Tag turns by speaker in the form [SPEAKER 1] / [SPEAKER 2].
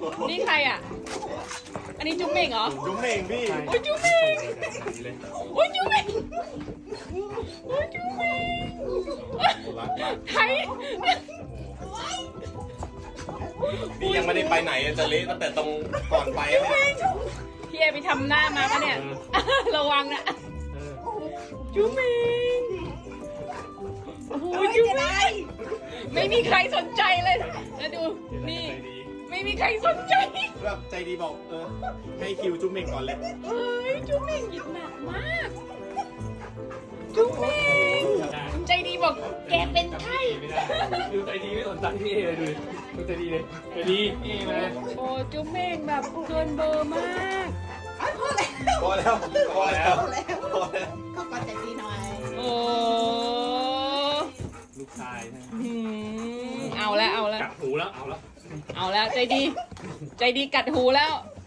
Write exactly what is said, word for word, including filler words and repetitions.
[SPEAKER 1] นี่ใครอ่ะอันนี้จุ๊บเม่งเหรอ
[SPEAKER 2] จุ๊บเม่งพี่
[SPEAKER 1] โอ้ยจุ๊บเม่งโอ้ยจุ๊บเม่งโอ้ยจุ๊บเม่งไทย
[SPEAKER 2] นี่ยังไม่ได้ไปไหนจะเละตั้งแต่ตรงก่อนไปเนี่ย
[SPEAKER 1] พี่เอไปทำหน้ามาปะเนี่ยระวังนะจุ๊บเม่งโอ้โหจุ๊บเม่งไม่มีใครสนใจเลยแล้วดูนี่ไม่มีใครสนใจ
[SPEAKER 2] แบบใจดีบอกเออให้คิวจุ๊บเม่งก่อนเลย
[SPEAKER 1] เอ้ยจุ๊บเม่งหยิบหนักมากจุ๊บเม่งใจดีบอกแกเป็นไข้
[SPEAKER 3] ไม่ได้ดูใจดีไม่สนใจพี่เอเลยดูดูใจดีเลยใจดีพี่เอมา
[SPEAKER 1] โอ้จุ๊บเม่งแบบเกินเบอร์มาก
[SPEAKER 2] พอแล้วพอแล้วพอแล้ว
[SPEAKER 4] เขาก็ใจดีหน่อย
[SPEAKER 1] โอ้
[SPEAKER 3] ลูกชาย
[SPEAKER 1] หืมเอาแล้วเอาแล้ว
[SPEAKER 3] กัดหูแล้วเอาแล้ว
[SPEAKER 1] เอาแล้วใจดี ใจดีกัดหูแล้ว